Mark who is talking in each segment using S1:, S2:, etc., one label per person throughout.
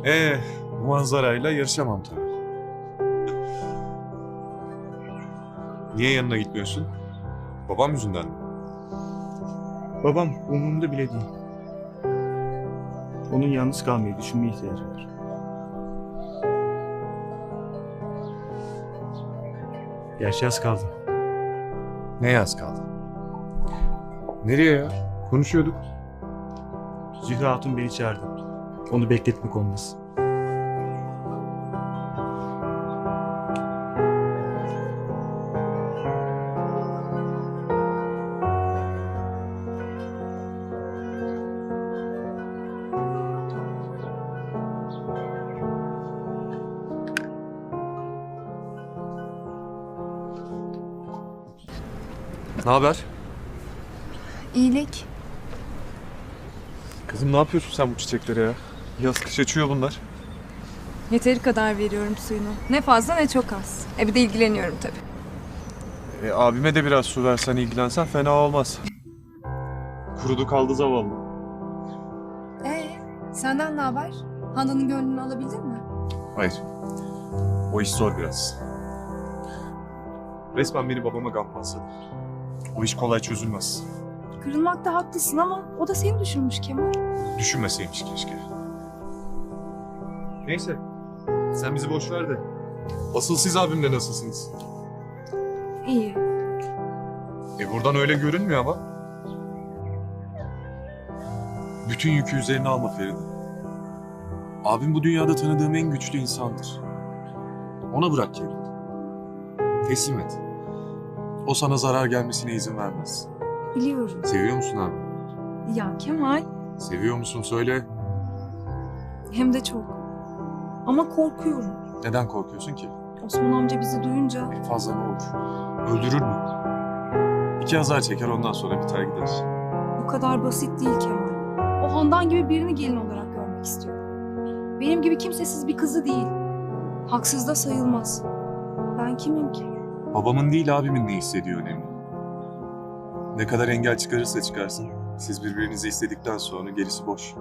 S1: Bu manzarayla yarışamam tabii. Niye yanına gitmiyorsun? Babam yüzünden mi?
S2: Babam umurumda bile değil. Onun yalnız kalmayı düşünmeye ihtiyacı var. Gerçi az kaldı.
S1: Ne yaz kaldı? Nereye ya? Konuşuyorduk.
S2: Zühre Hatun beni çağırdı. Onu bekletmek olmaz.
S1: Ne haber?
S3: İyilik.
S1: Kızım ne yapıyorsun sen bu çiçeklere ya? Yaz kış açıyor bunlar.
S3: Yeteri kadar veriyorum suyunu. Ne fazla ne çok az. Bir de ilgileniyorum tabii.
S1: Abime de biraz su versen ilgilensen fena olmaz. Kurudu kaldı zavallı.
S3: Senden ne haber? Handan'ın gönlünü alabildin mi?
S1: Hayır. O iş zor biraz. Resmen beni babama gammazladı. O iş kolay çözülmez.
S3: Kırılmakta haklısın ama o da seni düşünmüş Kemal.
S1: Düşünmeseymiş keşke. Neyse. Sen bizi boş ver de. Asıl siz abimle nasılsınız?
S3: İyi.
S1: Buradan öyle görünmüyor ama. Bütün yükü üzerine alma Feride. Abim bu dünyada tanıdığım en güçlü insandır. Ona bırak kendini. Teslim et. O sana zarar gelmesine izin vermez.
S3: Biliyorum.
S1: Seviyor musun abi?
S3: Ya Kemal.
S1: Seviyor musun söyle.
S3: Hem de çok. Ama korkuyorum.
S1: Neden korkuyorsun ki?
S3: Osman amca bizi duyunca
S1: En fazla ne olur? Öldürür mü? 2 azar çeker ondan sonra biter gider.
S3: bu kadar basit değil Kemal. O Handan gibi birini gelin olarak görmek istiyor. Benim gibi kimsesiz bir kızı değil. Haksız da sayılmaz. Ben kimim ki?
S1: Babamın değil abimin ne hissediyor önemli. Ne kadar engel çıkarırsa çıkarsın, siz birbirinizi istedikten sonra gerisi boş.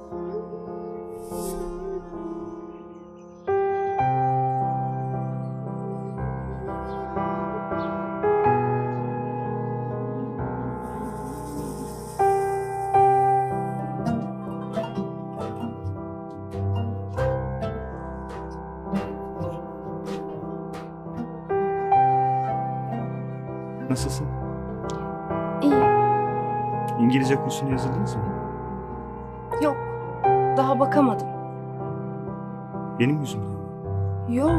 S2: Nasılsın?
S3: İyi.
S2: İngilizce kursuna yazıldınız mı?
S3: Yok. Daha bakamadım.
S2: Benim yüzümden mi?
S3: Yok.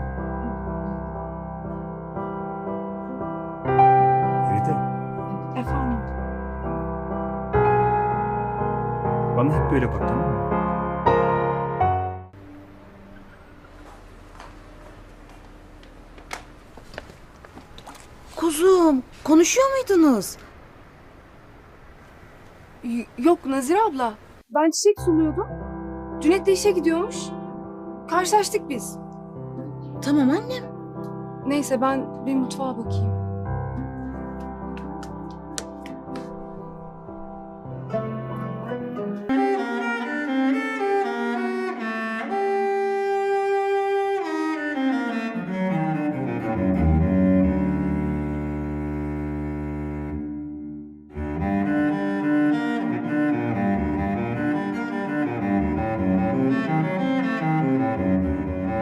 S2: Feride,
S3: Efendim.
S2: bana hep böyle bak, tamam mı?
S4: Kuzum, konuşuyor muydunuz?
S3: Yok Nazire abla. Ben çiçek suluyordum. Cüneyt de işe gidiyormuş. Karşılaştık biz.
S4: Tamam annem.
S3: Neyse ben bir mutfağa bakayım.